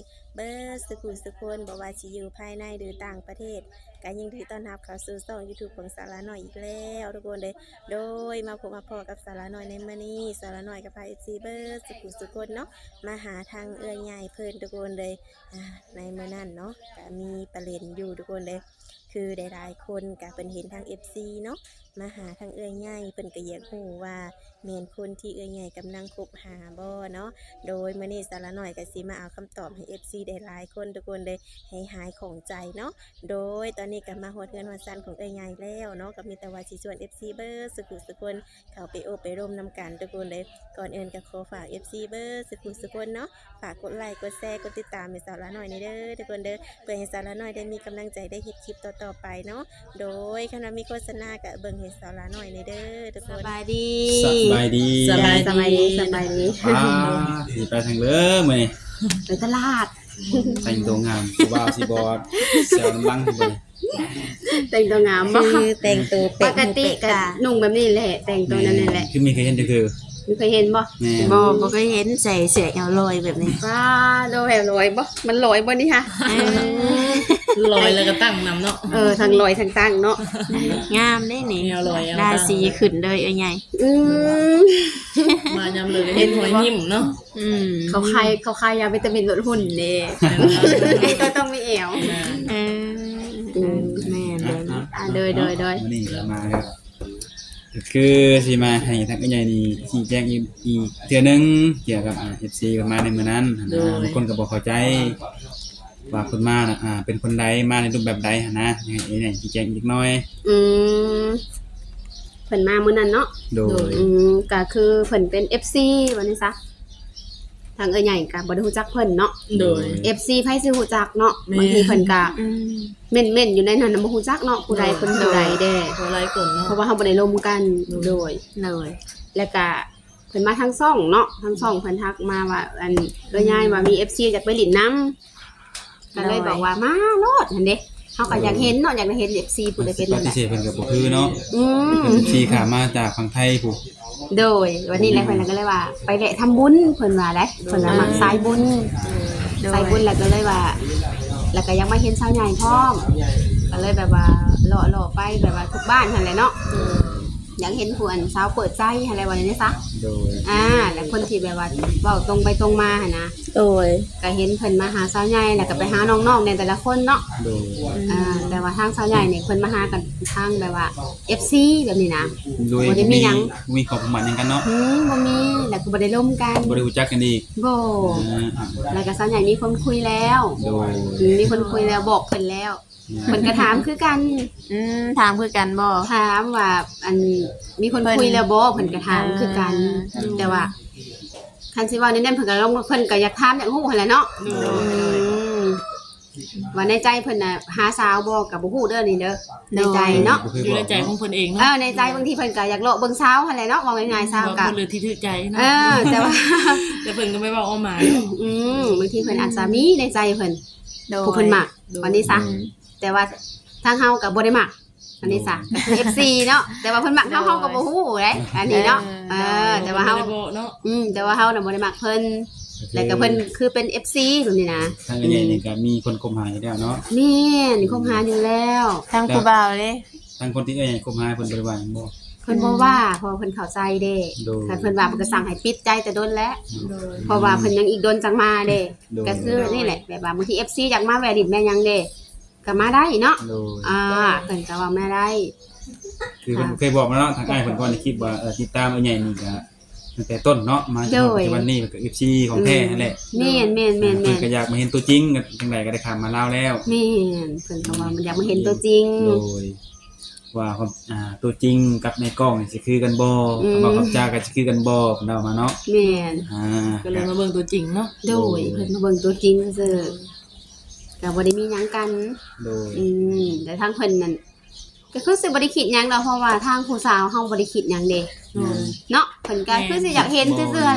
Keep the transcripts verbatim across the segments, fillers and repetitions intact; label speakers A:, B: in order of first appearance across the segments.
A: เบิร์ดสกุลสกุลบอกว่าสิอยู่ภายในหรือต่างประเทศก็ยินดีต้อนรับเข้าสู่ช่อง YouTube ของสาระน้อยอีกแล้วทุกคนเลยโดยมาพบมาพอกับสาระน้อยในมื้อนี้สาระน้อยกับพา เอฟ ซี เบิร์ดสกุลสกุลเนาะมาหาทางเอื้อยใหญ่เพิ่นทุกคนเลยในมื้อนั้นเนาะก็มีประเด็นอยู่ทุกคนเลยคือหลายๆคนก็เพิ่นเห็นทาง เอฟ ซี เนาะมาหาทางเอื้อยใหญ่เพิ่นก็อยากรู้ว่าแม่นคนที่เอื้อยใหญ่กำลังคบหาบ่เนาะโดยมื้อนี้สาระน้อยก็สิมาเอาคำตอบให้ เอฟ ซี ได้หลายคนทุกคนเลยให้หายของใจเนาะโดยตอนนี้ก็มาฮอดเฮือนฮอดซันของเอื้อยใหญ่แล้วเนาะก็มีแต่ว่าสิชวน เอฟ ซี เบิร์ดสกุลสกุลเข้าไปโอบไปร่มนํกันทุกคนเลยก่อนอื่นก็ขอฝาก เอฟ ซี เบิร์ดสกุลสกุลเนาะฝากกดไลค์กดแชร์กดติดตามให้สาระน้อยในเด้อทุกคนเด้อเพื่อให้สาระน้อยได้มีกำลังใจได้เฮ็ดคลิปต่อๆไปเนาะโดยคณะมีโฆษณาก็เบิ่งให้สาระน้อยในเด้อทุกคนสบายดี
B: สบายดี
A: สบายสบายดีสบายดี
B: ป้าสิไปทางเด้อมื้อนี้
A: ไปตลาด
B: แต่งตัวงามผู้บ่าวสิบ่แซวน้ำลังพุ่น
C: แต่งตัวงามบ่
A: คือแต่งตัว
C: ป
A: เป็ด
C: กติก็นุ่งแบบนี้แหละแต่งตัวนั้นนี่แหละ
B: คือมีเคยเห็นคือ
C: มีเคยเห็นบ่
B: แม่
A: บ่บ่เคยเห็นใส่เสื้อแอวลอยแบบนี้
C: ว้าโดแหวลอยบ่มันลอยบ่นี่ค่ะ
D: ลอยแล้วก็ตั้งนำเนาะ
C: เออทั้งลอยทั้งตั้งเนาะ
A: งามได้นี่
D: แนวลอยเอา
A: ได้สีขึ้นเลยเอ้ยใหญ่
C: อืม
D: มายำเลยก็เห็นหอยยิ้มเนาะ
A: อืม
C: เขาคายเขาคายยาวิตามินลดหุ่นเด้ก็ต้องมีแอว
A: เออเออแม่เด้อเนาะ
C: อ่าโดยโดยโดย
B: มื้อนี้ก็มาครับก็คือสิมาให้ทางใหญ่นี่ชี้แจงอีกอีกเทื่อนึงเกี่ยวกับอ่า เอฟ ซี ก็มาในมื้อนั้นนะบางคนก็บ่เข้าใจว่าคนมาน่ะอ่าเป็นคนใดมาในรูปแบบใดหันนะยังไงเนี่ยชี้แจงอีกหน่อย
C: อืมเพิ่นมามื้อนั้นเนาะ
B: โดย
C: อืมก็คือเพิ่นเป็น เอฟ ซี ว่านี่ซะทางเอ้ยใหญ่ก็บ่ได้ฮู้จักเพิ่นเนาะ
D: โดย
C: เอฟ ซี ไผสิฮู้จักเนาะ
D: แม่
C: บางทีเพิ่นก็
A: อืม
C: เม่นๆอยู่ในนั้นน่ะบ่ฮู้จักเนาะผู้ใดเพิ่นผู้ใดแด้
D: ตัวไรก่อนเนาะ
C: เพราะว่าเฮาบ่ได้ร่วมกันโดย
A: เลย
C: แล้วก็เพิ่นมาทางช่องเนาะทางช่องเพิ่นทักมาว่าอันเอ้ยยายว่ามี เอฟ ซี อยากไปหลินน้ำก็เลยบอกว่ามาโลดหั่นเด้เฮาก็อยากเห็นเนาะอยากได้เห็น เอฟ ซี ผู้ใดเป็น
B: ป
C: นั่นแห
B: ฏิ
C: ละ
B: เสธเพิ่นก็บ่คือเนาะ
C: อืม
B: เพิ่น เอฟ ซี ขามาจากฝั่งไทยผู้
C: โดยวันนี้แหละเพิ่นก็เลยว่า ไปแวะทำบุญเพิ่นว่าได้เพิ่นว่ามักสายบุญสายบุญแล้วก็เลยว่า แล้วก็ยังมาเห็นชาวใหญ่พร้อมก็เลยแบบว่าเลาะๆไปแบบว่าทุกบ้านหั่นแหละเนาะอยากเห็นผู้อันสาวเปิดใจอะไรว่าอย่างนี้ซะ
B: โดย
C: อ่าแล้วคนที่แบบว่าเว้าตรงไปตรงมาหั่นนะ
A: โดย
C: ก็เห็นเพิ่นมาหาสาวใหญ่แล้วก็ไปหาน้องๆในแต่ละคนเนาะ
B: โดย
C: อ่าแต่ว่าทางสาวใหญ่เนี่ยเพิ่นมาหากันทางแบบว่า เอฟ ซี แบบนี้นะ
B: โดย
C: บ่ได้มีหยัง
B: มีขอบประมาณหยังกันเนาะ
C: หืมบ่มีแล้วก็บ่ได้ร่วมกัน
B: บ่ได้รู้จักกันอีก
C: บ่
B: อ่า
C: แล้วก็สาวใหญ่มีคนคุยแล้ว
B: โดย
C: อืมมีคนคุยแล้วบอกเพิ่นแล้วเพิ่นก็ถามคือกัน
A: อืมถามคือกันบ่
C: ถามว่าอันมีคนคุยแล้วบ่เพิ่นก็ถามคือกัน
A: เออ
C: แต่ว่าคันสิว่าแน่ๆเพิ่นก็ลงเพิ่นก็อยากถามอยากฮู้หั่นแหละเนาะ
D: โดย
C: อืมว่าในใจเพิ่นน่ะหาสาวบ่ก็บ่ฮู้เด้อนี่เด้อในใจเนาะ
D: อยู่ในใจของเพิ่นเอง
C: เอ
D: เนาะ
C: อในใจบางทีเพิ่นก็อยากเลาะเบิ่งสาวหั่นแหละเนาะว่าง่ายๆสาว
D: ว่า
C: ก็
D: เพิ่นเลยที่ถือใจเนาะ
C: เออแต่ว่า
D: แต่เพิ่นก็ไม่บอกเอาหมาย
C: อืมบางทีเพิ่นอาจจะมีในใจเพิ่น
A: โดย
C: ผู้เพิ่นมักวันนี้ซะ
A: อืม
C: แต่ว่าทางเฮาก็บ่ได้มักอันนี้ซะก็คือ เอฟ ซี เนาะแต่ว่าเพิ่นมักเฮาเฮาก็บ่ฮู้เด้อันนี้เนาะเออแต่ว่าเฮา
D: บ่ได้บอกเนาะ
C: อืมแต่ว่าเฮาน่ะบ่ได้มักเพิ่นแล้วก็เพิ่นคือเป็น เอฟ ซี แบบนี้นะ
B: ทางใหญ่นี่ก็มีคนคบหาอยู่แล้วเนาะ
C: นี่นี่คบหาอยู่แล้ว
A: ทางผู้บ่าวเลย
B: ทางคนที่ใหญ่คบหาเพิ่นบ่ได้ว่าหยังบ่
C: เพิ่นบ่ว่าเพราะว่าเพิ่นเข้าใจเด้
B: โดย
C: ถ้าเพิ่นว่าเพิ่นก็สั่งให้ปิดใจแต่โดนแล้ว
D: โดย
C: เพราะว่าเพิ่นยังอีกโดนจังมาเด้
B: โดย
C: ก็คือนี่แหละแบบว่าบางที เอฟ ซี อยากมาแวะดินแม่ยังเด้ก็มาได้เนาะ
B: โดย
C: อ่าเพิ่นก็ว่าแม่ได้
B: คือเพิ่นเคยบอกมาแล้วทางอ้ายเพิ่นก่อนในคลิปว่าเออติดตามไอ้ใหญ่นี่ก็ตั้งแต่ต้นเนาะมาจนถึงวันนี้ก็ เอฟ ซี ของแท้นั่นแหละ
C: แม่นแม่นแม่น
B: เพิ่
C: แม่
B: น
C: น
B: ก็อยากมาเห็นตัวจริงก็จังไดก็ได้ข้ามมาลาวแล้ว
C: แม่นเพิ่นก็ว่ามันอยากมาเห็นตัวจริง
B: โดยว่าความอ่าตัวจริงกับในกล้องนี่สิคือกันบ่
C: อืม
B: คำว่าคำจาก็สิคือกันบ่เพิ่นเอามาเนาะ
C: แม่น
B: อ่า
D: ก็เลยมาเบิ่งตัวจริงเนาะ
C: โดยเพิ่นมาเบิ่งตัวจริงซื่อๆก็บ่ได้มีหยังกัน
B: โดย
C: อืมแต่ทางเพิ่นนั่นก็คือสิบ่ได้คิดหยังดอกเพราะว่าทางผู้สาวเฮาบ่ได้คิดหยังเด้
D: โดย
C: เนาะเพิ่นก็คือสิอยากเห็นซื่อๆแหละ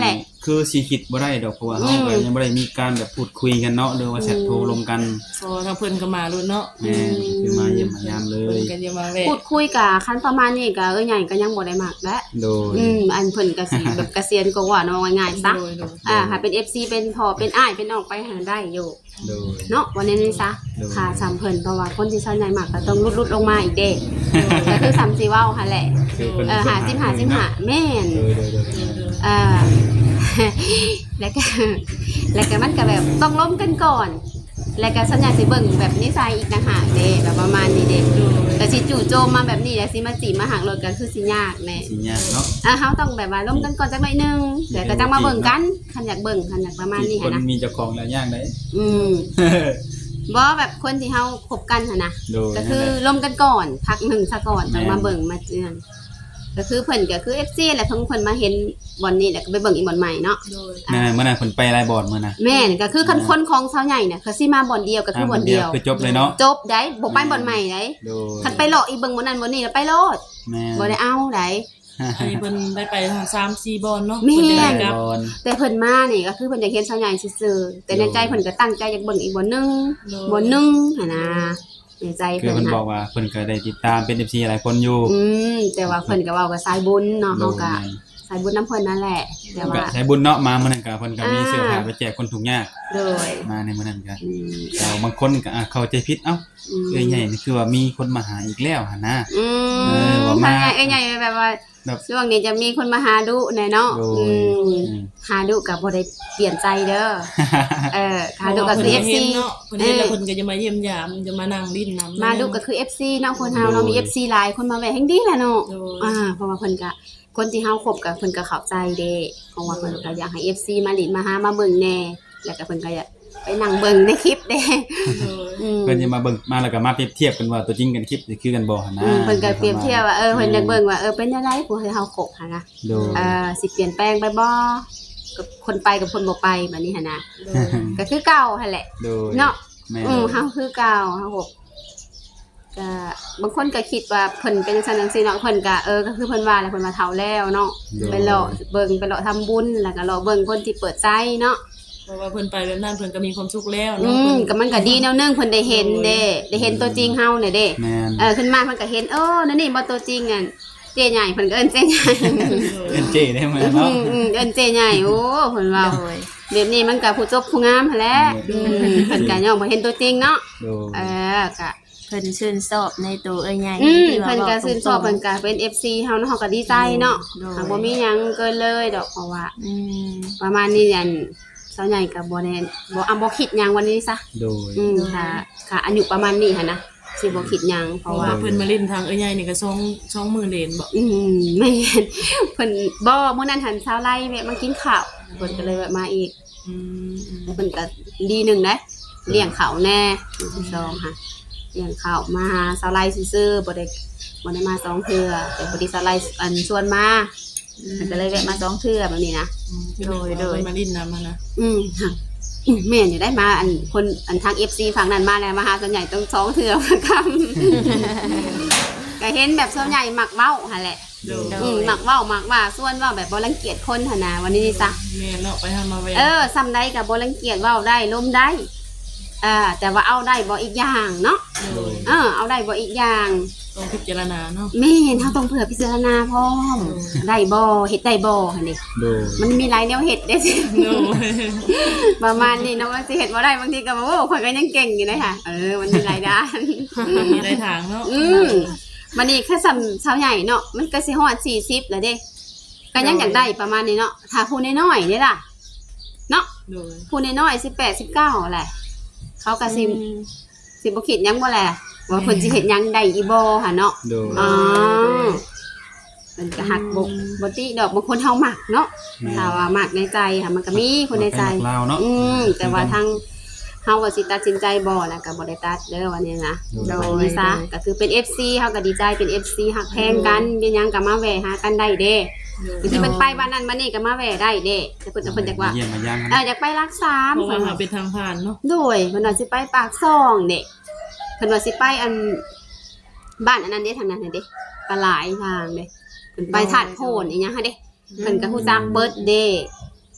B: คือสิคิดบ่ได้ดอกเพราะว่าเฮาก็ยังบ่ได้มีการแบบพูดคุยกันเนาะหรือว่าแชทโทรลงกัน
D: พอทางเพิ่นก็มาลุ้นเนาะ
B: แม่นคือมาเยี่ยมมายามเล
D: เพิ่
B: ย
D: นก็จะมาแวะ
C: พูดคุยกับคันประมาณนี้ก็เอ้ยใหญ่ก็ยังบ่ได้มักและ
B: โดย
C: อืมอันเพิ่นก็สิแบบเกษียณก็ว่าเนาะง่ายๆซะ
D: โดยโดย
C: อ่าหาเป็น เอฟ ซี เป็นพ่อเป็นอ้ายเป็นน้องไปหาได้อยู่
B: โดย
C: เนาะวันนี้นี่ซะ
B: โดย
C: ค่ะสำเพิ่นเพราะว่าคนที่ชาวใหญ่มากก็ต้องลุดๆลงมาอีกเด้ก็คือสามสิเว้าหั่นแหละ
B: คือพิ่น
C: เออหาสิบหาสิบหาแม่น
B: โดยโดยโดย
C: อ่า แล้วก็แล้วก็มันก็แบบต้องล้มกันก่อน แล้วก็สัญญาสิเบิ่งแบบนิสัยอีกต่างหากเด้แบบประมาณนี้เด้แต่สิจู่โจมมาแบบนี้แล้วสิมาจีบมาหักรถกันคือสิยากแน่
B: สิยากเนาะ
C: อ่ะเฮาต้องแบบว่าล้มกันก่อนจักหน่อยหนึงเดี๋ยวก็จังมาเบิ่งกันคันอยากเบิ่งคันอยากประมาณนี้
B: ค
C: หั่
B: น
C: นนะ
B: มีเจ้าของแล้วยากได้
C: อืมบ่แบบคนที่เฮาคบกันหั่นนะ
B: โดย
C: ก็คือล้มกันก่อนพักหนึ่งซะก่อนจังมาเบิ่งมาเจือนก็คือเพิ่นก็คือ เอฟ ซี แหละเพิ่นเพิ่นมาเห็นบ่อนนี้แล้วก็ไปเบิ่งอีกบ่อนใหม่เนาะ
D: โดย
B: นั่นน่ะเมื่อนั้นเพิ่นไปหลายบ่อนมื้อน่ะ
C: แม่นก็คือคันคนของชาวใหญ่น่ะคือสิมาบ่อนเดียวก็คือบ่อนเดียว
B: คือจบเลยเนาะ
C: จบได้บ่ไปบ่อนใหม่ได้
B: โดย
C: คันไปเลาะอีเบิ่งบ่นั้นบ่นี้แล้วไปโลด
B: แม่น
C: บ่ได้เอาได้
D: อันนี้เพิ่นได้ไปทางสามสี่บอลเนาะ
C: แม่
D: เพิ่นได้
B: หลาย
D: กลับ
B: บ่อน
C: แต่เพิ่นมานี่ก็คือเพิ่นอยากเห็นชาวใหญ่ซื่อๆแต่ในใจเพิ่นก็ตั้งใจอยากเบิ่งอีกบ่อนหนึงบ่อนหนึงหั่นน่ะในใจ
B: คือ
C: เพิ่น
B: เพิ่นบอ
C: น่ะ
B: กว่าเพิ่นก็ได้ติดตามเป็น เอฟ ซี หลายคนอยู่
C: อืมแต่ว่าเพิ่นก็เว้าว่าสายบุญเนาะ
B: โด
C: เฮาย ก็สายบุญนํเพิ่นนั่นแหละแต่
B: ก็
C: ว่า
B: ใช้บุญเนาะมามื้อนั้นก็เพิ่นก็มี
C: อ่า
B: เสื้อผ้าไปแจกคนทุกข์ยาก
C: โดย
B: มาในมื้อนั้นก็
C: อืม
B: แต่บางคนก็อ่ะเข้าใจผิดเอ้า
C: อืม
B: เอ้ยใหญ่นี่คือว่ามีคนมาหาอีกแล้วหั่นนะ
C: อื
B: เออ
C: ม
B: ว่ามา
C: ทางใหญ่เอ้ยใหญ่แบบว่า
B: แบบ
C: ช่วงนี้จะมีคนมาหาดุแน่เนาะ
B: โดย
C: อืม
B: อืม
C: หาดุก็บ่ได้เปลี่ยนใจเด้อเออหาดุก็คือ เอฟ ซี
D: เนาะเพิ่นเห็นแล้วเพิ่นก็จะมาเยี่ยมยามจะมานั่งดิ้นนำ
C: มาดุก็คือ เอฟ ซี เนาะคนเฮาเนาะมี เอฟ ซี หลายคนมาแวะแห่งดีแหละเนาะ
D: โดย
C: อ่าเพราะว่าเพิ่นก็คนที่เฮาคบกับเพิ่นก็เข้าใจเด้เพราะว่าเพิ่นก็อยากให้ เอฟ ซี มาหลินมาหามาเบิ่งแน่แล้วก็เพิ่นก็อยากไปนั่งเบิ่งในคลิปเด้
D: โดย
C: อืม
B: เพิ่นจะมาเบิ่งมาแล้วก็มาเปรียบเทียบกันว่าตัวจริงกันคลิปนี่คือกันบ่หั่นนะ
C: อืมเพิ่นก็เปรียบเทียบว่าเออเพิ่นอยากเบิ่งว่าเออเป็นจังไดผู้ให้เฮาคบหั่นนะ
B: โดย
C: เอ่อสิเปลี่ยนแปลงไปบ่กับคนไปกับคนบ่ไปแบบนี้หั่นนะ
D: โดย
C: ก็คือเก่าหั่นแหละ
B: โดย
C: เนาะ
B: แม่
C: อืมเฮาคือเก่าเฮาคบก็บางคนก็คิดว่าเพิ่นเป็นจังซั่นจังซี่เนาะเพิ่นก็เออก็คือเพิ่นว่าแหละเพิ่นมาเฒ่าแล้วเนาะไปเลาะเบิ่งไปเลาะทำบุญแล้วก็เลาะเบิ่งคนที่เปิดใจเนาะ
D: เพราะว่าเพิ่นไปแบบนั้นเพิ่นก็มีความสุขแล้ว
C: อื
D: เนาะ
C: ม
D: เพิ่น
C: ก็มันก็ดีแนวนึงเพิ่นได้เห็นเด้ได้เห็นตัวจริงเฮาเนี่ยเด้
B: แม่น
C: เออขึ้นมาเพิ่นก็เห็นเออนั่นนี่บ่ตัวจริงอ่ะเจ๊ใหญ่เพิ่นก็เอิ้นเจ๊ใหญ่
B: เอ็นเจได้มั้ย
C: อื
B: เนาะ
C: มอืมเอิ้นเจ๊ใหญ่โอ้เพิ่นว่า
A: โดย
C: แบบนี้มันก็ผู้จบผู้งามหั่นแหละอืมเพิ่นก็ย่อมบ่เห็นตัวจริงเนาะ
B: โดย
C: เออก็
A: เพิ่นชื่นชอบในตัวเอ้ยใหญ่
C: อืม
A: ที่ว่า
C: เพิ่นก็
A: ว้า
C: ชื่นชอบ
A: ตร
C: เพิ่
A: ง
C: นก็เป็น เอฟ ซี เฮาเนาะเฮาก็ดีใจเนาะ
A: โดย
C: หากบ่มีหยังเกินเลยดอกเพราะว่า
A: ๆอืม
C: ประมาณนี้อันสาวใหญ่ก็บ่แน่บ่อ่ะบ่คิดหยังวันนี้ซะ
B: โดย
C: อืมค่ะค่ะอายุประมาณนี้หั่นนะสิบ่คิดหยังเพ
D: เพ
C: ราะ
D: ราะ
C: ว่า
D: ว่าเพิ่นมาเล่นทางเอ้ยใหญ่นี่ก็สองสองหมื่นเหรียญบ่
C: อืมแม่นเพิ่นบ่มื้อนั้นหันชาวไร่แวะมากินข้าวเพิ่นก็เลยแวะมาอีก
D: อืมอืม
C: เพิ่นก็ดีหนึงเด้เลี้ยงข้าวแน่มื้อที่สองค่ะเลี้ยงข้าวมาหาชาวไร่ซื่อๆบ่ได้บ่ได้มาสองเทื่อแต่พอดีชาวไร่อันชวนมาเพิ่นก็เลยแวะมาสองเทื่อแบบนี้นะ
D: โดยโดยมาดิ้นนำมานะ
C: อืมค่ะอืมแม่นอยู่ได้มาอันคนอันทาง เอฟ ซี ฝั่งนั้นมาแล้วมาหาส่วนใหญ่ต้องสองเทื่อคำ ก็เห็นแบบส่วนใหญ่มักเว้าหั่นแหละ
D: โดย
C: อืมมักเว้ามักว่าส่วนเว้าแบบบ่รังเกียจคนหั่นน่ะวันนี้นี่ซะ
D: แม่เนาะไปทำมาแว
C: เออซ้ำใดก็บ่รังเกียจเว้าได้ล้มได้อ่าแต่ว่าเอาได้บ่อีกอย่างเนาะ
D: โดย
C: เออเอาได้บ่อีกอย่าง
D: ต้องพิจารณาเนาะ
C: แม่นเฮาต้องเผื่อพิจารณาพร้อมได้บ่เฮ็ดได้บ่หั่นนี่
B: โดย
C: มันมีหลายแนวเฮ็ดเด้สิ
D: โดย
C: ประมาณนี้เนาะว่าสิเฮ็ดบ่ได้บางทีก็บ่โอ้ข่อยก็ยังเก่งอยู่เลยค่ะเออมันมีหลายด้าน
D: มีได้ทางเนาะ
C: อืมมันนี่แค่สำชาวใหญ่เนาะมันก็สิฮอดสี่สิบแล้วเด้ก็ยังอยากได้ประมาณนี้เนาะถ้าผู้น้อยๆนี่ล่ะเนาะ
D: โดย
C: ผู้น้อยๆสิบแปด สิบเก้าแหละเขาก็สิสิบ่คิดหยังบ่แหละว่าเพิ่นสิเฮ็ดหยังได้อีบ่หั่นเนาะ
B: โดย
C: อ๋อมันก็หักบ่บ่ติดอกบางคนเฮามักเนาะถ้าว่ามักในใจค่ะมันก็มีคนในใจ
B: ลาวเนาะ
C: อืมแต่ว่าทางเฮาก็สิตัดสินใจบ่แล้วก็บ่ได้ตัดเด้อวันนี้นะ
B: โด
C: โด
B: ย
C: ยนี้ซะก็คือเป็น เอฟ ซี เฮาก็ดีใจเป็น เอฟ ซี ฮักแพงกันเป็นหยังก็มาแวะหากันได้เด้คือสิเพิ่นไปบ้านนั้นบ้านนี้ก็มาแวะได้เด้แต่เพิ่นเพิ่นจักว่า
B: เยี่ยมมายาม
C: เอออยากไปรักษา
D: เพราะ
C: เพิ่
D: ว่าน หา
C: ว่า
D: เป็นทางผ่านเนาะ
C: โดยเพิ่นว่าสิไปปากซ่องเด้เพิ่นว่าสิไปอันบ้านอันนั้นเด้ทางนั้นน่ะเด้ก็หลายทางเด้เพิ่นไปธาตุโพนอีหยังฮะเด้เพิ่นก็ฮู้จักเบิดเด้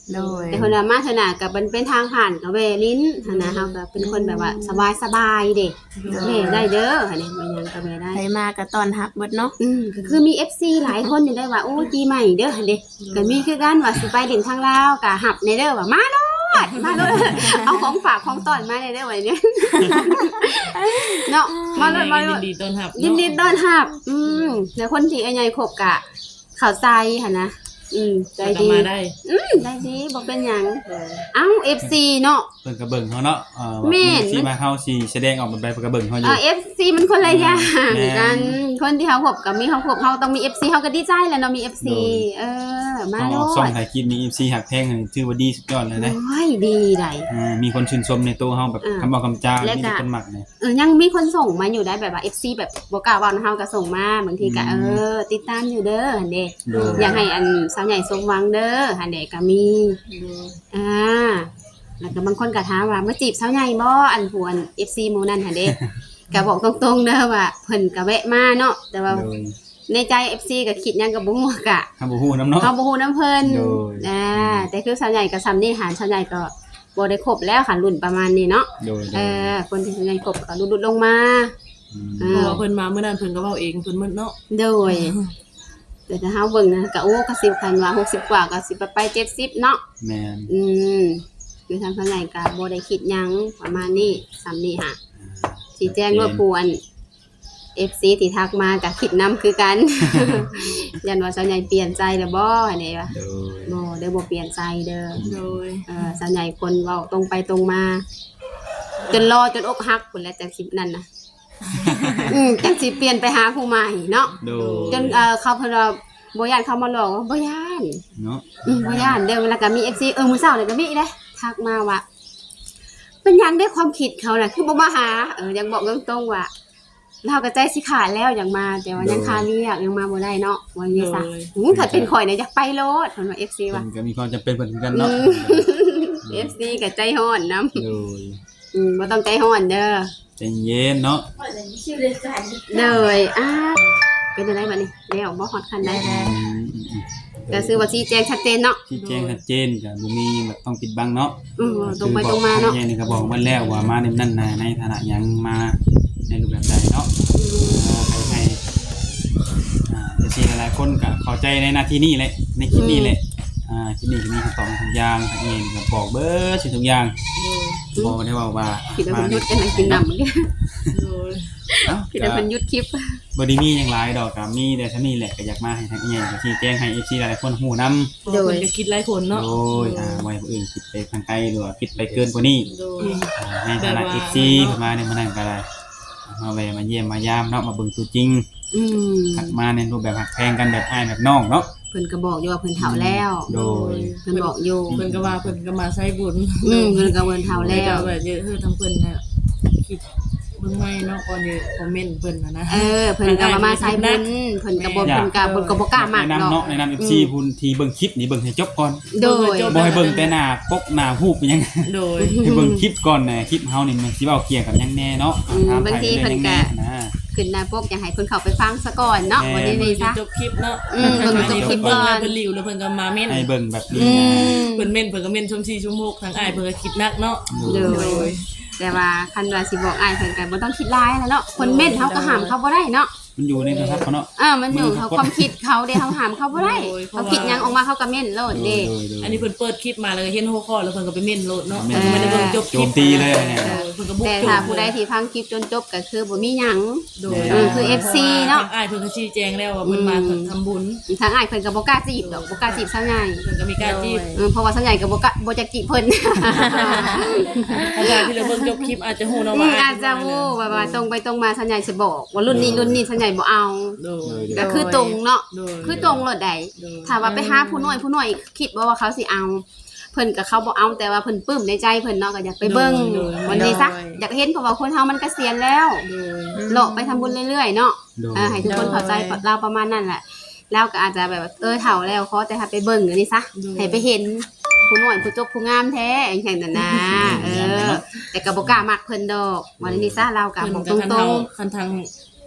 A: โดย
C: แต่คนว่ามาเถอะน่ะก็มันเป็นทางผ่านก็แวลิ้นหั่นนะเฮาก็เป็นคนแบบว่าสบายๆเด้แม่ได้เด้อหั่นนี่บ่หยังก็แม่ได้
A: ใครมาก็ต้อนรับเบิดเนาะ
C: อืมก็คือมี เอฟ ซี หลายคนอยู่ได้ว่าโอ้ปีใหม่เด้อหั่นเด้ก็มีคือกันว่าสิไปเล่นทางลาวก็หับในเด้อว่ามาโลดมาโลดเอาของฝากของต้อนมาในเด้อว่าเนี่ย เนาะมาโลดมาโล
D: ยิ
C: ด
D: นดีต้อนรับ
C: ยินดีต้อนรับอืมแล้วคนที่ไอ้ใหญ่คบกะเข้าใจหั่นนะอืมใจ
D: ใจ
C: ดี
D: มาได้
C: อืมได้ดีบ่เป็นหยังเอ้า เอฟ ซี เนาะ
B: เพิ่นก็เบิ่งเฮาเนาะเอ่อ
C: แม่น
B: สิมาเฮาสิแสดงออกเป็นไปเพิ่นก็เบิ่งเฮาอ
C: เอยู่ อ เอฟ ซี มันคนละอย่าง
B: แม่น
C: กันคนที่เขาคบกับมีเขาคบเขาต้องมี เอฟ ซี เขาก็ดีใจแหล้วเนาะมี เอฟ ซี เออมา
B: เอา
C: โล
B: ออกช่อง
C: ด
B: ถ่ายคลิปมี เอฟ ซี หักแพงนี่ถือว่าดีสุดยอดเลยนะ
C: โอ้ยดีได้
B: อ่ามีคนชื่นชมในตัวเฮาแบบ
C: อ่า
B: คำบอกคำจา
C: และ
B: มี
C: ก็
B: คนมักเนี่ย
C: เออยังมีคนส่งมาอยู่ได้แบบว่า เอฟ ซี แบบบ่กล้าเว้านะเฮาก็ส่งมาบางทีก็
B: อื
C: เอ
B: ม
C: อติดตามอยู่เด้อหั่นเด้
B: โดย
C: อยากให้อันสาวใหญ่สมหวังเด้อหั่นเด้ก็มี อ่า แล้วก็บางคนก็ถามว่ามาจีบสาวใหญ่บ่อันผู้อัน เอฟ ซี หมู่นั่นหั่นเด้ ก็บอกตรงๆเด้อว่าเพิ่นก็แวะมาเนาะแต่ว่า
B: โดย
C: ในใจ เอฟ ซี ก็คิดหยังก็บ่ฮู้กะ
B: คำบ่ฮู้นำเนาะ
C: เฮาบ่ฮู้นํเพิ่น
B: โดย
C: อ่าแต่คือสาวใหญ่ก็ซ้ำนี่หารสาวใหญ่ก็บ่ได้ครบแล้วค่ะรุ่นประมาณนี้เนาะ
B: โดย
C: เออคนที่สาวใหญ่ครบก็ลุดๆลงมา
B: ม
C: อ่า
D: เพราะว่าเพิ่นมาเมื่อนั้นเพิ่นก็เว้าเองเพิ่นมึนเนาะ
C: โดยแต่ถ้าเฮาเบิ่งนะก็โอ้ก็สิบคันว่าหกสิบกว่าก็สิไปไปเจ็ดสิบเนาะ
B: แม่น
C: อืมคือทางสาวใหญ่ก็บ่ได้คิดหยังประมาณนี้ซ้ำนี่ค่ะสิแจ้งรบกวน เอฟ ซี ที่ทักมาก็คิดนำคือกัน ยันว่าสาวใหญ่เปลี่ยนใจแล้วบ่อันนี้ว่า
B: โดย
C: บ่เด้อบ่เปลี่ยนใจเด้อ
D: โดย
C: เออสาวใหญ่คนเว้าตรงไปตรงมา จนรอจนอกหักพุ่นแหล้วจังสินั่นน่ะ อืมจังสิเปลี่ยนไปหาผู้ใหม่เนาะ
B: โดย
C: จนเอ่อเขาเพิ่นว่าบ่ย่านเขามาหลอกว่าบ่ย่าน
B: เนาะ
C: อืมบ่ย่านเด้อแล้วก็มี เอฟ ซี เออมื้อเช้านี่ก็มีเด้ทักมาว่า เป็นหยังได้ความคิดเขาน่ะคือบ่มาหาเออยังบอกตรงๆว่าเราก็ใจสิขาดแล้วอยากมาแต่ว่ายังคาเรียกยังมาบ่ได้เนาะว่างี้ซะอืมถ้าเป็นข่อยเนี่ยอยากไปโลดเพิ่นว่า เอฟ ซี ว่า
B: เพิ่นก็มีความจำเป็นเพิ่นคือกัน
C: อื
B: เนาะ
C: ม เอฟ ซี ก็ใจร้อนนำ
B: โดย
C: อืมบ่ต้องใจร้อนเด้อ
B: ใจเย็นเนาะ
C: เลยอ่าเป็นจังไดบัดนี้แล้วบ่ฮอดคันใด
B: อืมอืมอืม
C: ก็คือว่าชี้แจงชัดเจนเนาะ
B: ที่แจ้งชัดเจนก็บ่มีแบบต้องปิดบังเนาะ
C: อืมตรงไปตรงมาเนาะ
B: คือบอกนี่ก็บอกมาแล้วว่ามาในนั่นน่ะในฐานะหยังมาในรูปแบบใดเนาะ
C: อืม
B: ให้ให้อ่าเอฟซีหลายๆคนก็เข้าใจในหน้าที่นี้แหละในคลิปนี้แหละอ่าคลิปนี้ก็มีคำตอบทุกอย่างทางนี้ก็บอกเบิดสิ่งทุกอย่างบอกได้ว่าว่า
C: ผิดแล้วเพิ่นหยุดกันกินน้ำเหมือนกัน
D: โดย
B: เอ้า
C: ผิดแล้วเพิ่นหยุดคลิป
B: บ่ได้มีหยังหลายดอกก็มีแต่เท่านี้แหละก็อยากมาให้ทางนี้ก็ชี้แจงให้ เอฟ ซี หลายๆคนฮู้นำ
D: โดยเพิ่นก็คิดหลายคนเนาะ
B: โดยอ่าไว้ผู้อื่นคิดไปทางไกลหรือว่าคิดไปเกินกว่านี้
D: โดย
B: อ่าในฐานะ เอฟ ซี มาในมื้อนั้นก็ได้มาแวะมาเยี่ยมมายามเนาะมาเบิ่งตัวจริง
C: อืม
B: หักมาในรูปแบบหักแพงกันแบบอ้ายแบบน้องเนาะ
C: เพิ่นก็บอกอยู่ว่าเพิ่นเฒ่าแล้ว
B: โดย
C: เพิ่นบอกอยู่
D: เพิ่นก็ว่าเพิ่นก็มาใช้บุญ
C: อืมเพิ่นก็เพิ่นเฒ่า
D: แล้
C: แล้ว ว
D: แบบเยอะคือทั้งเพิ่นน่ะคิดเบิ่งใหม่เนาะก่อนจะคอมเมนต์เพิ่นน่ะนะ
C: เออเพิ่นก็มามาใส่บุญเพิ่นก็บ่เพิ่นก็เพิ่นก็บ่กล้ามาก
B: แนะ
C: เนาะ
B: นำเนาะแนะนำ เอฟ ซี พุ่นที่เบิ่งคลิปนี่เบิ่งให้จบก่อน
C: โดย
B: บ่ให้เบิ่งแต่หน้าปกหน้ารูปเป็นหยัง
D: โดย
B: ให้เบิ่งคลิปก่อนน่ะคลิปเฮานี่มันสิเว้าเกี่ยวกับหยังแน่เนาะ
C: อืม
B: ถม
C: บางที
B: ไทย
C: เพิ่นก็
B: รื่องหยังแน่นะ
C: ขึ้นหน้าปกอยากให้เพิ่นเข้าไปฟังซะก่อนเนาะบ่ได้นี่ซะ
D: จบคลิปเนาะ
C: อืมเบิ่งจบคลิปก่อน
D: เพิ่นรีวแล้วเพิ่นก็มาเม่น
B: ให้เบิ่งแบบนี้
C: อื
B: นะ
C: ม
D: เพิ่นเม่นเพิ่นก็เม่นชมสี่ชั่วโมงทางอ้ายเพิ่นก็คิดหนักเนาะ
C: โดย แต่ว่าคันว่าสิบอกอ้ายเพิ่นก็บ่ต้องคิดหลายแล้วเนาะคนเม่นเฮาก็ห้ามเขาบ่ได้เนาะ
B: มันอยู่ในโทรศัพท์เขาเนาะ
C: เออมันอยู่เขาความคิดเขาเด้เฮาห้ามเขาบ่ได้เขาคิดหยังออกมาเขาก็เม่นโลด
B: โดย
C: เด้
B: โดยโดย
D: อันนี้เพิ่นเปิดคลิปมาแล้วก็เห็นหัวข้อแล้วเพิ่นก็ไปเม่นโหลดเนาะ
B: เม่
D: เพิ่
B: น
D: นก็ไม่ได้เบิ่งจบคลิป
B: โจมตีเลยเนี่ย
D: ออเพิ่นก็บุก
C: แต่
D: โจม
C: ถ้าผู้ใดที่ฟังคลิปจนจบก็คือบ่มีหยัง
D: โดย
C: เออคือ เอฟ ซี เนาะ
D: ทางอ้ายเพิ่นก็ชี้แจงแล้วว่าเพิ่นมาทำบุญ
C: ทางอ้ายเพิ่นก็บ่กล้าจีบดอกบ่กล้าจีบซะง่าย
D: เพิ่นก็มีการจีบ
C: เออเพราะว่าซะใหญ่ก็บ่กล้าบ่จักจีบเพิ่น
D: อาจารย์ที่เราเบิ่งจบคลิปอาจจะฮู้เนาะ
C: อื
D: ว่าม
C: อาจจะวู้ว่าว่าตรงไปตรงมาซะใหญ่สิบอกว่ารุ่นนี้รุ่นนี้ซะใหญ่บ่เอา
D: โดย
C: ก็คือตรงเนาะ
D: โดย
C: คือตรงโลดใด
D: โดย
C: ถ้าว่าไปหาผู้น้อยผู้น้อยคิดว่าว่าเขาสิเอา เพิ่นก็เขาบ่เอาแต่ว่าเพิ่นปลื้มในใจเพิ่นเนาะก็อยากไปเบิ่งวันนี้ซะอยากเห็นเพราะว่าคนเฮามันเกษียณแล้ว
D: โดย
C: เลาะไปทำบุญเรื่อยๆเนาะ
B: โดย
C: เออให้ทุกคนเข้าใจเราประมาณนั้นแหละเราก็อาจจะแบบว่าเออเฒ่าแล้วขอแต่ถ้าไปเบิ่งอย่างนี้ซะให้ไปเห็นผู้น้อยผู้จบผู้งามแท้อย่างเช่นนั้นนะเออ แต่ก็บ่กล้ามักเพิ่นดอกวันนี้ซะเราก็
D: เพิ่น
C: บอก
D: ก็
C: ต
D: คัน
C: ร
D: ทาง งคันทาง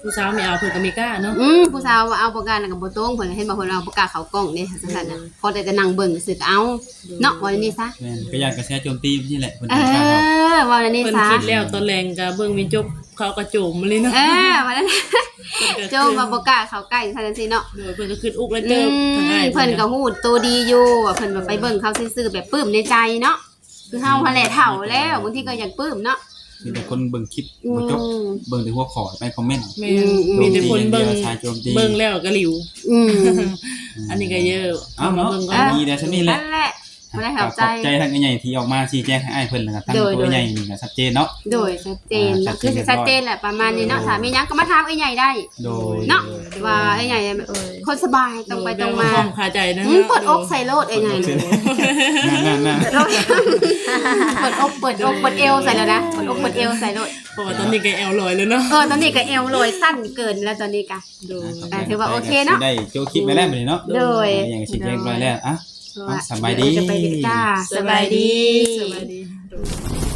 D: ผู้สาวไม่เอาเพิ่นก็มีกล้าเนาะ
C: อืมผู้สาวว่าเอาประกันแล้วก็บ่ตรงเพิ่นเห็นบ่เพิ่นเอาประกาศเขากล้องเด้จังซั่นน่ะพอแต่จะนั่งเบิ่งซื่อก็เอาเนาะว่าอันนี้ซะ
B: แม่นก็อยากกระแสโจมตีนี่แหละเพิ่น
C: เอ
B: ทางเขา
C: อว่าอันนี้
D: เพิ่น
C: ซะ
D: คิดแล้วตอนแรงก็เบิ่งมีจบเขาก็โจมมาเลยเนาะ
C: เออว่านั้นโจมว่าบ่กล้าเข้าใกล้ซั่นซี่เนาะ
D: โดยเพิ่นก็ขึ้นอุกแล้ว
C: อื
D: เติบทางอ้าย
C: มเพิ่นก็ฮู้ตัวดีอยู่ว่าเพิ่นว่าไปเบิ่งเขาซื่อๆแบบปลื้มในใจเนาะคือเฮาหั่นแหละเฒ่าแล้วบางทีก็อยากปลื้มเนาะ
B: มีแต่คนเบิ่งคลิป
C: อื
B: บ่จบ
C: ม
B: เบิ่งแต่หัวข้อไปคอมเมนต์
D: แม่นมีแต่คนเบิ่ง
B: ชายโจมตี
D: เบิ่งแล้วก็หลิว
C: อืม
D: อันนี้ก็เยอะ
B: เอาเนาะ
D: บิ่งก่
B: อั
D: อน
B: นนี้ได้ซะนี่แหละ
C: นั่นแหละบ่ได้เข้าใจ
B: ขอบใจทางใหญ่ที่ออกมาชี้แจงให้อ้ายเพิ่นแล้วก็ทาง
C: โดย
B: ตัวใหญ่นี่ก็ชัดเจนเนาะ
C: โดยชัดเจน
B: อ่า
C: คือสิชัดเจนแหละประมาณนี้เนาะถ้ามีหยังก็มาถามไอ้ใหญ่ได้
B: โดย
C: เนาะว่าไอ้ใหญ่คนสบายตรงไปตรงมา
D: ห้องคาใจนะ
C: อืมเปิดอกใส่โลดไอ้ใหญ่เลย
B: นั่นๆๆ
C: เปิดอกเปิดอกเปิดเอวใส่แล้วนะเปิดอกเปิดเอวใส่โลด
D: เพราะว่าตอนนี้ก็แอลลอยแล้วเนาะ
C: เออตอนนี้ก็เอวลอยสั้นเกินแล้วตอนนี้กะ
D: โดย
C: อ่าถือว่าโอเคเนาะ
B: ได้โจคลิปไปแล้วบัดนี้เนาะ
C: โดย
B: อย่างชี้แจงไปแล้วอ่ะ
C: ว่า
B: สบายดี
C: จะไปดีจ้าสบายดี
D: สบายดี